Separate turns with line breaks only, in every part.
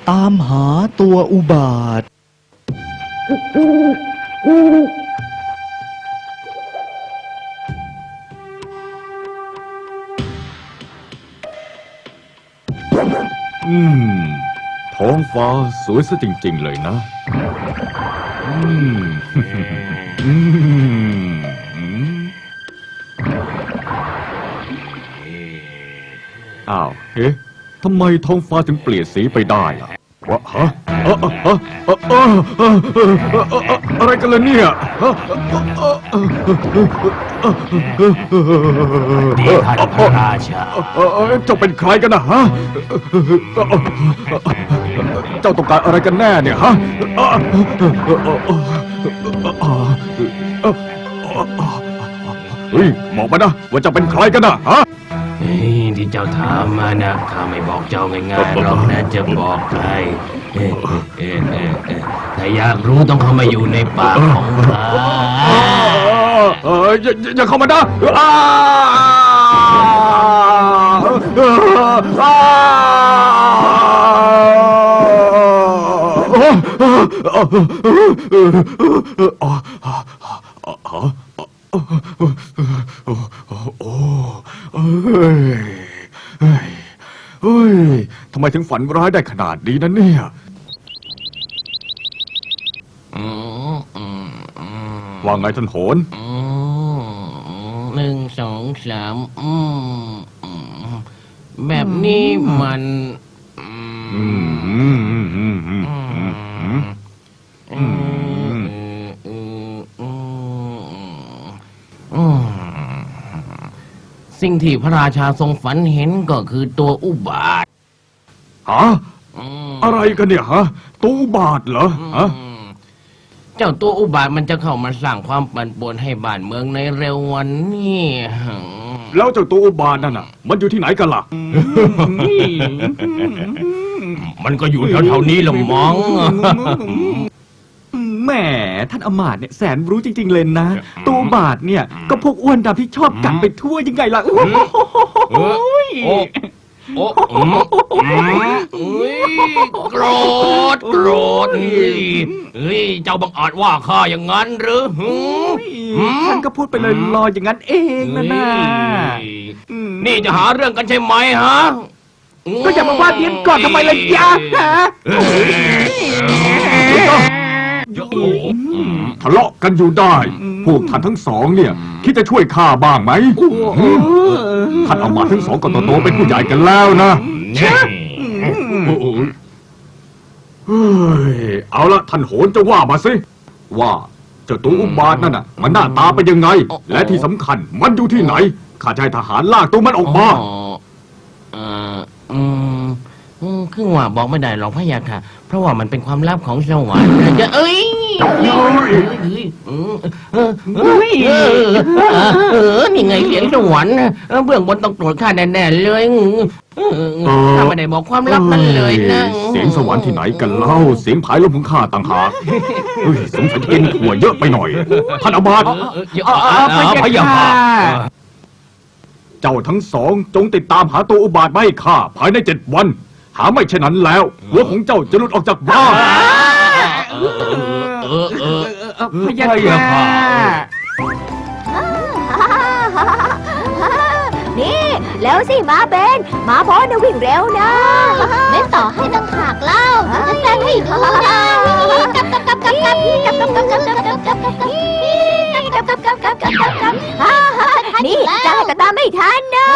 ตามหาตัวอุบาท
ท้องฟ้าสวยซะจริงๆเลยนะอ้าวเฮ้ทำไมท้องฟ้าถึงเปลี่ยนสีไปได้ล่ะวะฮะอะไรกันล่ะเนี่ย
นี่ท่านพระราชา
เจ้าเป็นใครกันนะฮะเจ้าต้องการอะไรกันแน่เนี่ยฮะเฮ้ยบอกมานะว่าจะเป็นใครกันนะฮะ
ที่เจ้าถามมานะข้าไม่บอกเจ้าง่ายๆหรอกนะจะบอกใครแต่อยากรู้ต้องเข้ามาอยู่ในปากของข้า
อย่าเข้ามานะเฮ้ยทำไมถึงฝันร้ายได้ขนาดนี้นะเนี่ยว่าไงท่านโหน
1 2 3แบบนี้มันสิ่งที่พระราชาทรงฝันเห็นก็คือตัวอุบาท
ฮะอะไรกันเนี่ยฮะตัวอุบาทเหรอฮะ
เจ้าตัวอุบาทมันจะเข้ามาสร้างความปั่นป่วนให้บ้านเมืองในเร็ววันนี้
แล้วเจ้าตัวอุบาทนั่นน่ะมันอยู่ที่ไหนกันล่ะ
มันก็อยู่แถวๆนี้ละมั้ง
แหมท่านอมาตย์เนี่ยแสนรู้จริงๆเลยนะตัวบาทเนี่ยก็พวกอ้วนดำที่ชอบกัดไปทั่วยังไงล่ะ
โกรธเจ้าบังอาจว่าข้าอย่างนั้นหรือ
ท่านก็พูดไปเลยลอยอย่างนั้นเองนะ
นี่จะหาเรื่องกันใช่ไหมฮะ
ก็อย่ามาว่าเพี้ยนก่อนทำไมล่ะยะ
ทะเลาะกันอยู่ได้พวกท่านทั้งสองเนี่ยคิดจะช่วยข้าบ้างไหมท่านเอามาทั้งสองก็โตๆเป็นผู้ใหญ่กันแล้วนะเอาละท่านโหนจะว่ามาสิว่าเจ้าตัวอุบาทนั่นน่ะมันหน้าตาเป็นยังไงและที่สำคัญมันอยู่ที่ไหนข้าจะให้ทหารลากตัวมันออกมา
คือว่าบอกไม่ได้หรอกพะยะค่ะเพราะว่ามันเป็นความลับของสวรรค์จะนี่ไงเสียงสวรรค์เบื้องบนต้องโกรธข้าแน่ๆเลยข้าไม่ได้บอกความลับนั้นเลยนะ
เสียงสวรรค์ที่ไหนกันเล่าเสียงผายลมของข้าต่างหากสงสัยจะกินถั่วเยอะไปหน่อยท่านอามาตย์
พะยะค่ะ
เจ้าทั้งสองจงติดตามหาตัวอุบาทมาให้ข้าภายใน7 วันหาไม่เช่นนั้นแล้วหัวของเจ้าจะหลุดออกจากบ้าน
พะยะค่ะ
นี่แล้วสิมาเบนมาบอสนะวิ่งเร็วนะเล่นต่อให้ตั้งหากเล่าจะแสดงให้ดูนะกับนี่จะให้กระตาไม่ทันนะ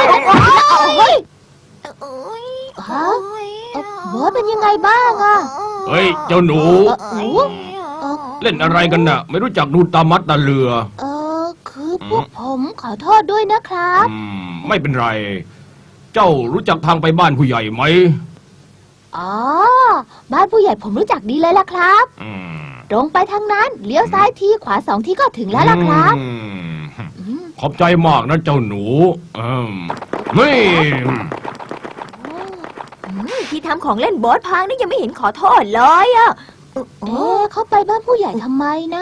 บอสเป็นยังไงบ้างอ่ะ
เฮ้ยเจ้าหนูเล่นอะไรกันน่ะไม่รู้จักดูตามัดตาเรือ
คือพวกผมขอโทษด้วยนะครับ
ไม่เป็นไรเจ้ารู้จักทางไปบ้านผู้ใหญ่ไหม
อ๋อบ้านผู้ใหญ่ผมรู้จักดีเลยล่ะครับตรงไปทางนั้นเลี้ยวซ้ายทีขวา2 ทีก็ถึงแล้วล่ะครับ
ขอบใจมากนะเจ้าหนูนี่
ที่ทำของเล่นบอสพังนี่ยังไม่เห็นขอโทษเลยอ่ะเขาไปบ้านผู้ใหญ่ทำไมนะ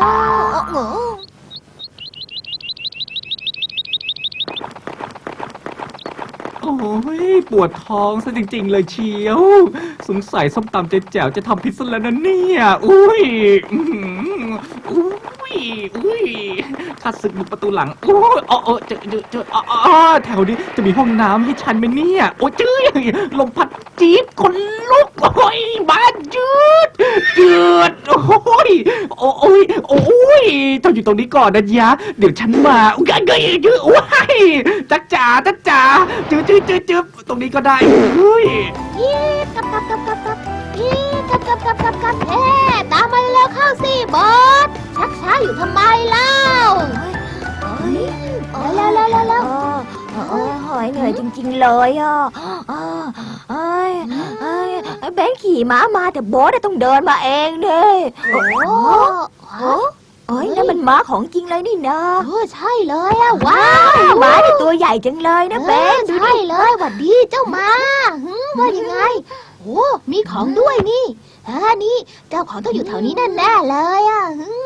โอ้ยปวดท้องซะจริงๆเลยเชียว สงสัยส้มตำเจ๊แจ๋วจะทำพิษซะแล้วนะเนี่ยอุ้ยอื้อหืออุ้ยอุ้ยข้าศึกบุกประตูหลังโอ้ยอ๋อเจอแถวนี้จะมีห้องน้ำให้ฉันไหมเนี่ยโอ้ยจื้อลมพัดจี๊ดคนลุกโอ้ยบ้านจืดโอ้ยโอ้ยโอ้ยเจ้าอยู่ตรงนี้ก่อนนะยะเดี๋ยวฉันมาโอ้ยจ๊ะจ๋าจืดตรงนี้ก็ได้เฮ้ย
ยี่กับยี่กับเอ๊ะตามมาแล้วเข้าสิบอสชักช้าอยู่ทำไมเล่าแล้ว
หอยเหนื่อยจริงๆเลยอ่ะเบนขี่ม้ามาแต่โบ๊ทต้องเดินมาเองเด้นั่นมันม้าของจริงเลยนี่นะ
ใช่เลยอะว้าว
ม้าเนี่ยตัวใหญ่จังเลยนะเบน
ใช่เลยหวัดดีเจ้ามาว่ายังไงโอ้มีของด้วยนี่นี่เจ้าของต้องอยู่แถวนี้แน่ๆเลยอะ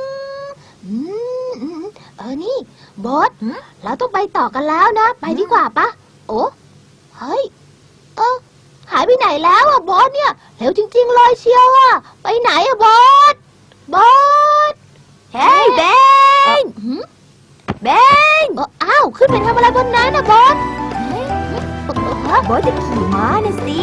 นี่บอสเราต้องไปต่อกันแล้วนะไปดีกว่าปะโอ้เฮ้ยหายไปไหนแล้วอะบอสเนี่ยเร็วจริงๆเลยเชียวอะไปไหนอะบอส
เฮ้ยเบน
อ้าวขึ้นไปทำอะไรบนนั้นนะบอส
โบ๊ทจะขี่ม้านะสิ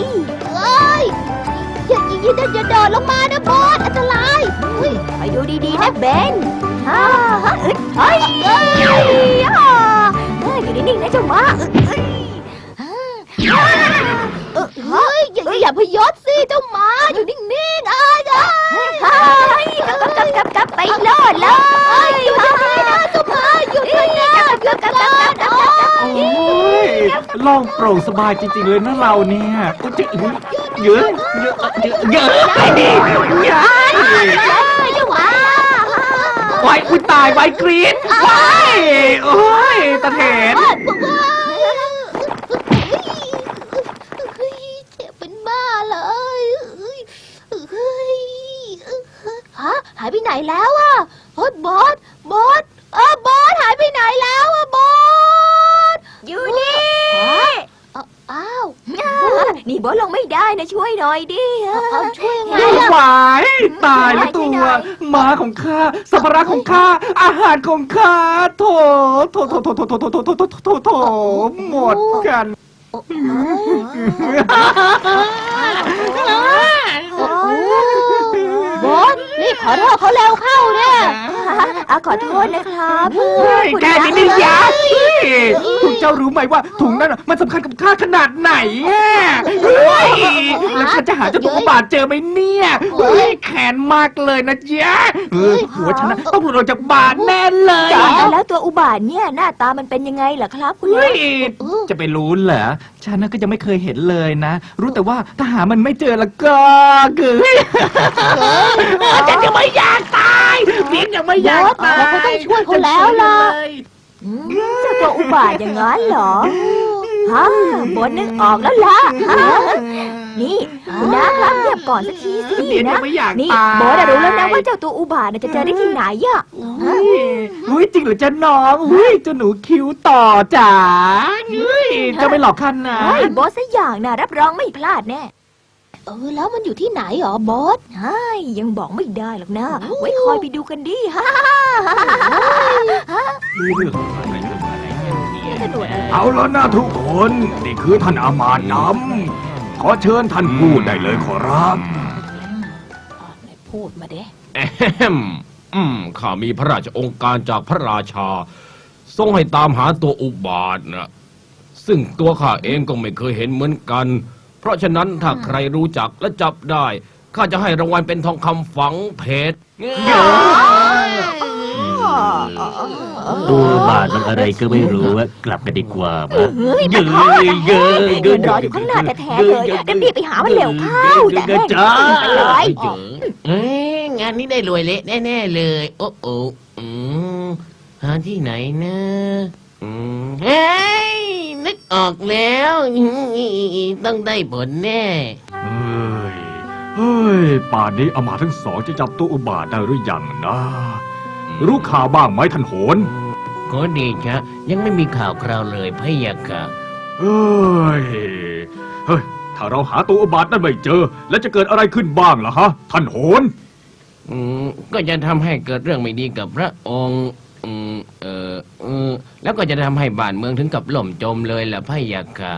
อย่าเดินลงมานะบอสอันตราย
ไปดูดีๆนะเบนเฮ้ยอยู่นิ่งๆนะเจ้าม้า
อย่าพยศสิเจ้าหมาอยู่นิ่งๆ
กลับไปโลดเลย
หยุดนะเจ้าหมาหยุดนะ
โอ้ยโล่งโปร่งสบายจริงๆเลยนะเราเนี่ยเยอะไว้อุ้ยตายไว้กรี๊ดไว้โอ้ยตะเถน
เจ็บเป็นบ้าเลยหายไปไหนแล้วอะบอสหายไปไหนแล้วอะบอส
อยู่นี่
อ้าว
นี่โบ๊ทลงไม่ได้นะช่วยหน่อยดิ
ช่วยไง
ไหวตายแล้วตัวม้าของข้าสัมภาระของข้าอาหารของข้าโถหมดกัน
บอสรีบขอโทษเขาเร็วเข้าเนี่ย
ขอโทษนะครับ
แกนี่นี่ยาคุณเจ้ารู้ไหมว่าถุงนั้นมันสำคัญกับข้าขนาดไหนแล้วข้าจะหาเจ้าตัวอุบาทเจอไหมเนี่ยแขนมากเลยนะจ๊ะหัวฉันต้องหลุดออกจากบาทแน่เลย
แล้วตัวอุบาทเนี่ยหน้าตามันเป็นยังไงล่ะครับคุณ
จะไปรู้เหรอฉันก็ยังไม่เคยเห็นเลยนะรู้แต่ว่าถ้าหามันไม่เจอแล้วก็ฉันยังไม่อยากตายเพียงยังไม่อยากตาย
เราก็ต้องช่วยเขาแล้วล่ะ
เจ้าตัวอุบาทอย่างนั้นเหรอโบ๊ทนึกออกแล้วล่ะนี่คุณน้าครับเงียบก่อนสักทีสินะนี่โบ๊ทรู้แล้วนะว่าเจ้าตัวอุบาทจะเจอได้ที่ไหนอ่ะ
จริงหรือจะน้องเจ้าหนูคิ้วต่อจ๋าจะไม่หลอกขั้นนะ
โบ๊ทสักอย่างนะรับรองไม่พลาดแน่
แล้วมันอยู่ที่ไหนหรอบอส
ยังบอกไม่ได้หรอกนะไว้คอยไปดูกันดิ
เอาแล้วนะทุกคนนี่คือท่านอามาตย์ดำขอเชิญท่านพูดได้เลยขอรับ
พูดมาเด้
ข้ามีพระราชองค์การจากพระราชาทรงให้ตามหาตัวอุบาทนะซึ่งตัวข้าเองก็ไม่เคยเห็นเหมือนกันเพราะฉะนั้นถ้าใครรู้จักและจับได้ข้าจะให้รางวัลเป็นทองคำฝังเพชร
ตัวบาทมันอะไรก็ไม่รู้กลับกันดีกว่ามั้ย
รออยู่ข้างหน้าแท้ๆเลยรีบไปหามันเร็วเข้าแต่
จ้า
เลย
งานนี้ได้รวยเละแน่ๆเลยโอ้หาที่ไหนนะเฮ้ยนึกออกแล้วต้องได้ผลแน่
เฮ้ยป่านนี้อามาตย์ทั้งสองจะจับตัวอุบาทได้หรือยังนะรู้ข่าวบ้างไหมท่านโหน
ขอเดชะยังไม่มีข่าวคราวเลยพะยะค่ะ
เฮ้ย เฮ้ย ถ้าเราหาตัวอุบาทนั่นไม่เจอ แล้วจะเกิดอะไรขึ้นบ้างล่ะฮะ ท่านโหน
ก็จะทำให้เกิดเรื่องไม่ดีกับพระองค์แล้วก็จะทำให้บ้านเมืองถึงกับล่มจมเลยล่ะพะยะค่ะ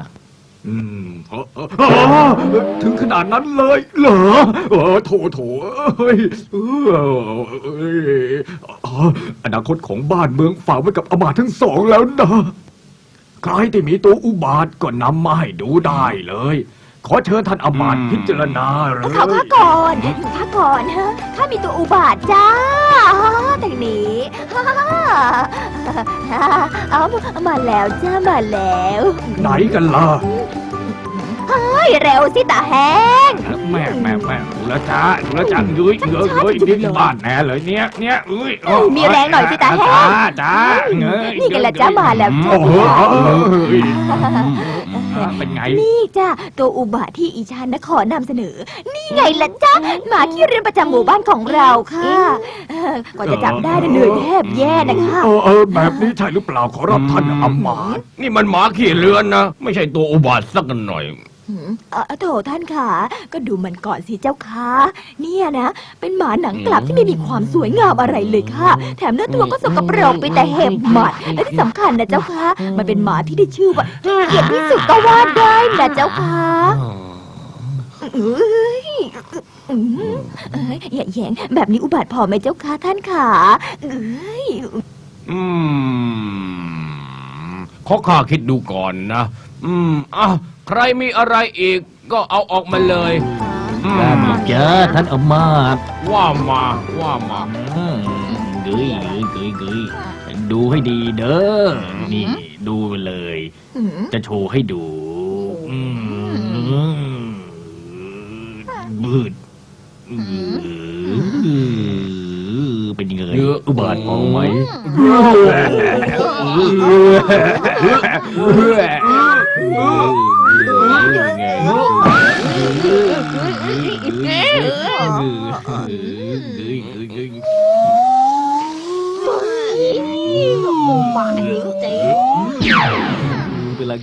ถึงขนาดนั้นเลยเหรอโถเอ้ยอนาคตของบ้านเมืองฝากไว้กับอำมาตย์ทั้งสองแล้วนะ ใครที่มีตัวอุบาทก็นำมาให้ดูได้เลย ขอเชิญท่านอำมาตย์พิจารณาเลย
ขอพักก่อนพักก่อนฮะข้ามีตัวอุบาทจ้าทางนี้เอามาแล้วจ้ามาแล้ว
ไหนกันล่ะ
เฮ้ยเร็วสิตาแห้ง
แม่ดูแลวจ้ายุ้ยดิ้นบ้านแน่เลยเนี่ย
มีแรงหน่อยสิตาแห้ง
จ้า
นี่กันละจ้ามาแล้วจ้า
เป็นไง
นี่จ้าตัวอุบาทที่อีชานนขอนำเสนอ นี่ไงล่ะจ้าหมาขี้เรียนประจำหมู่บ้านของเราค่ะกว่าจะจับได้เหนื่อยแทบแย่นะคะ
แบบนี้ใช่หรือเปล่าขอรับท่านอำมาตย์
นี่มันหมาขี้เลือนนะ ไม่ใช่ตัวอุบาทสักหน่อย
โถท่านค่ะก็ดูมันก่อนสิเจ้าค่ะเนี่ยนะเป็นหมาหนังกลับที่ไม่มีความสวยงามอะไรเลยค่ะ แถมเนื้อตัวก็สกปรกไปแต่เห็บหมัดและที่สำคัญนะเจ้าค่ะมันเป็นหมาที่ได้ชื่อว่าเกลียดที่สุดก็ว่าได้นะเจ้าค่ะอย่าแย่งแบบนี้อุบาทพอไหมเจ้าค่ะท่านค่ะ
ขอข้าคิดดูก่อนนะใครมีอะไรอีกก็เอาออกมาเลย
ได้ไหมจ๊ะท่านอำมาตย์
ว่ามา
เกยดูให้ดีเด้อนี่ดูไปเลย จะโชว์ให้ดูบืดเป็นยังไงอุบาทมองไหมเป็นไร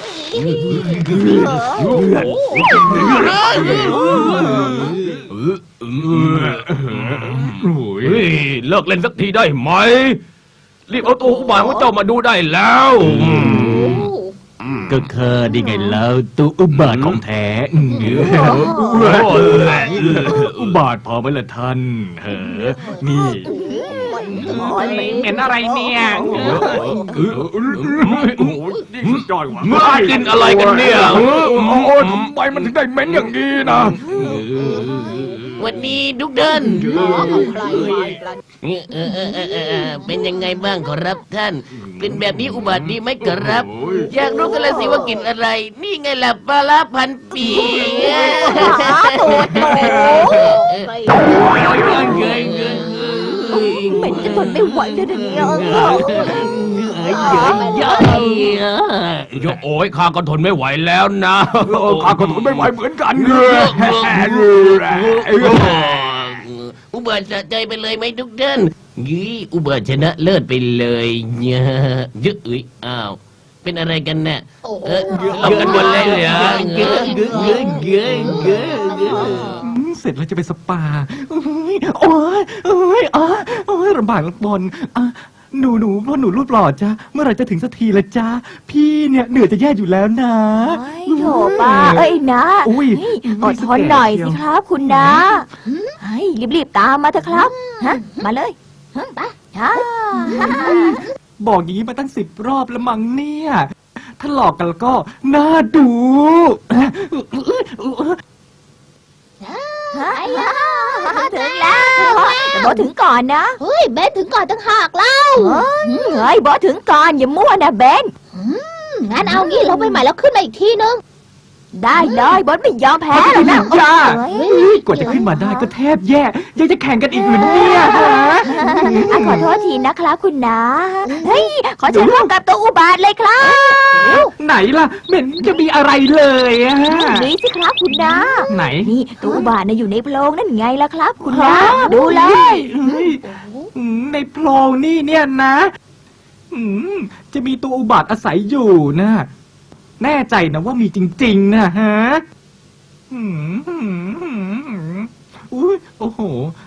เลิกเล่นสักทีได้ไหม รีบเอาตัวอุบาทของเจ้ามาดูได้แล้ว
ก็คือดีไงแล้วตัวอุบาทของแท้อุบาทพอไหมล่ะท่านนี่
เหม็นอะไรเนี่ย
ยอดว่ะ
เมื่อกินอะไรกันเนี่ย
ทำไมมันถึงได้เหม็นอย่างนี้นะ
วันนี้ดุกเดินเป็นยังไงบ้างขอรับท่านกลิ่นแบบนี้อุบัติดีไหมขอรับ อยากรู้กันเลยสิว่ากลิ่นอะไร นี่ไงล่ะปลาร้าพันปี
เหม็นจะทนไม่ไหวเลยเนี่ย
โอ้ยข้าก็ทนไม่ไหวแล้วนะ
ข้าก็ทนไม่ไหวเหมือนกัน
อุบัติสะใจไปเลยไหมดุกเดินยี่อุบัติชนะเลิศไปเลยเนี่ยยึอ้าวเป็นอะไรกันเนี่ยเรากันหมดเลยเหรอ
เสร็จแล้วจะไปสปาโอ้ยลำบากลำบนหนูเพราะหนูรูปหล่อจ้ะเมื่อไหร่จะถึงสักทีละจ้าพี่เนี่ยเหนื่อยจะแย่อยู่แล้วนะ
โถป้านะอดทนหน่อยสิครับคุณนะรีบๆตามมาเถอะครับมาเลยไป
บอกอย่างนี้มาตั้ง10 รอบแล้วมั้งเนี่ยถ้าหลอกกันก็น่าดู
ถึงแล้วแต่บอถึงก่อนนะ
เฮ้ยเบนถึงก่อนตั้งหากเล่า
เฮ้ยบอถึงก่อนอย่ามั่วนะเบน
งั้นเอางี้ลงไปใหม่แล้วขึ้นมาอีกทีนึง
ได้เลยบอสไม่ยอมแพ้หรอกนะ
จ้ากว่าจะขึ้นมาได้ก็แทบแย่ยังจะแข่งกันอีกเหมือนเนี่ยฮะ
ขอโทษทีนะครับคุณนะเฮ้ยขอเชิญร่วมกับตัวอุบาทเลยครับ
ไหนล่ะเหม็นจะมีอะไรเลยอะ
นี่สิครับคุณนะ
ไหน
นี่ตัวอุบาทอยู่ในโพรงนั่นไงล่ะครับ คุณนะดูเลย
ในโพรงนี่เนี่ยนะจะมีตัวอุบาทอาศัยอยู่นะแน่ใจนะว่ามีจริงๆนะฮะอุ้ยโอ้โห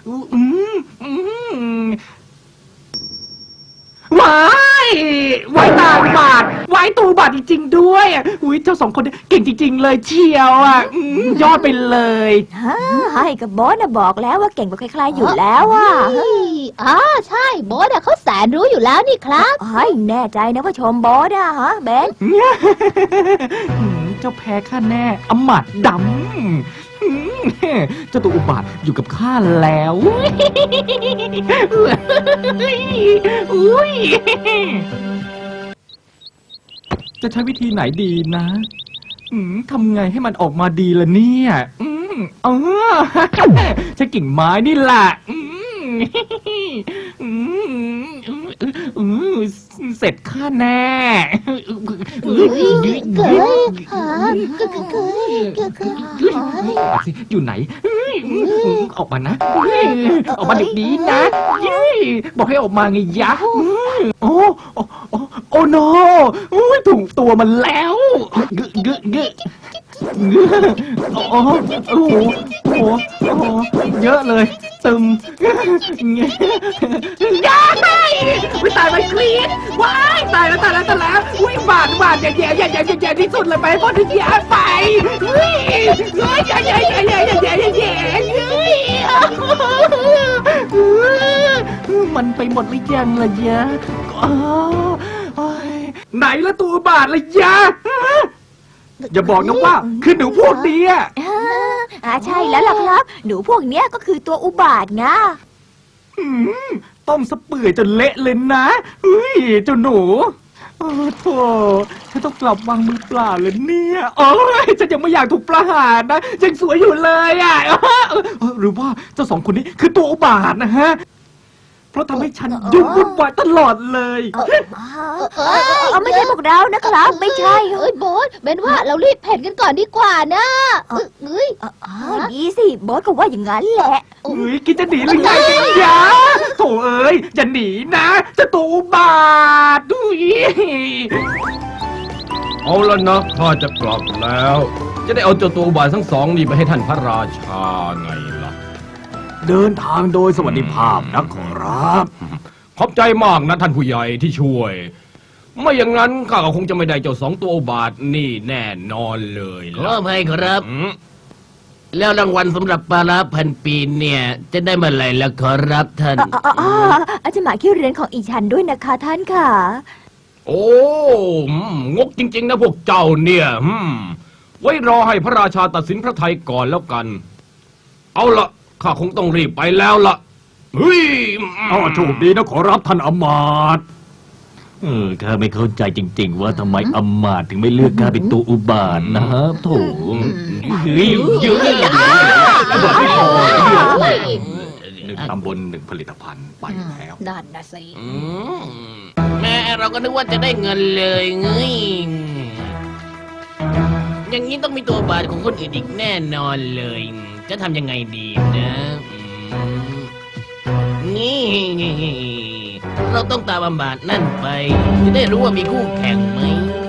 ว้ายว้ายตาอุบาทว้ายตูบาทจริงๆด้วยอุ้ยเจ้าสองคนเนี่ยเก่งจริงๆเลยเชียวยอดไปเลย
ให้กับบอสนะบอกแล้วว่าเก่งกว่าใครๆอยู่แล้วอ่ะ
เฮ้ยอ๋อใช่โบอสอะเขาแสนรู้อยู่แล้วนี่ครับ
เฮ้ยแน่ใจนะว่าชมบอสอะฮะเบน
เจ้าแพ้ข้าแน่อำมาตย์ดำเจ้าตัวอุบาทอยู่กับข้าแล้วอุ้ยจะใช้วิธีไหนดีนะทำไงให้มันออกมาดีล่ะเนี่ยใช้กิ่งไม้นี่แหละเสร็จข้าแน่
เกยหาเกย
อยู่ไหนออกมานะออกมาเด็กดีนะบอกให้ออกมาไงยะโอ้โนถูกตัวมันแล้วโอ้เยอะเลยตึมย้ายวิตายไปกรี๊ดว้ายตายแล้วอุ้ยบาดแย่ที่สุดเลยไปพอถึงแย่ไปเฮ้ยแย่มันไปหมดหรือยังล่ะยะไหนละตัวบาดละยะอย่าบอกนะว่าคือหนูพวกนี้
ใช่แล้วล่ะครับ หนูพวกเนี้ยก็คือตัวอุบาทไง
ต้มสะเปื่อยจนเละเลยนะเฮ้ยเจ้าหนูโธ่ฉันต้องกลับวางมือเปล่าเลยเนี่ยฉันยังไม่อยากถูกประหารนะยังสวยอยู่เลยหรือว่าเจ้าสองคนนี้คือตัวอุบาทนะฮะเพราะทำให้ฉันยุ่งวุ่นวายตลอดเลย
ไม่ใช่พวกเรานะครับ ไม่ใช่
เฮ้ยโบอสเป็นว่าเรารีบเพ่นกันก่อนดีกว่านะเฮ้ย
ดีสิบอสก็ว่าอย่างนั้นแหละ
คิดจะหนีหรือไงกันยะโถเอ้ยอย่าหนีนะจะตัวอุบาทดุย
เอาละนะข้าจะกลับแล้ว จะได้เอาเจ้าตัวอุบาททั้งสองนี่ไปให้ท่านพระราชาไงล่ะ
เดินทางโดยสวัสดิภาพนะขอรับ
ขอบใจมากนะท่านผู้ใหญ่ที่ช่วย ไม่อย่างนั้นข้าก็คงจะไม่ได้เจ้าสองตัวอุบาทนี่แน่นอนเลย
ขออภัยครับ
อืม
แล้วรางวัลสำหรับปลาร้าพันปีเนี่ย จะได้เมื่อไหร่ล่ะขอรับท่าน
อาจจะหมายคิวเรียนของอีฉันด้วยนะคะท่านค่ะ
โอ้งกจริงๆนะพวกเจ้าเนี่ยไว้รอให้พระราชาตัดสินพระทัยก่อนแล้วกัน เอาละข้าคงต้องรีบไปแล้วละเฮ้ย
โชคดีนะขอรับท่านอำมาตย์
ข้าไม่เข้าใจจริง ๆ ว่าทำไมอำมาตย์ถึงไม่เลือกข้าเป็นตัวอุบาทนะโถ
ตำบลหนึ่งผลิตภัณฑ์ไปแล้ว
นั่นนะสิ
แม่เราก็นึกว่าจะได้เงินเลยเงยอย่างนี้ต้องมีตัวบาทของคนอื่นอีกแน่นอนเลย จะทำยังไงดีนะนี่เราต้องตามบาทนั่นไป จะได้รู้ว่ามีคู่แข่งไหม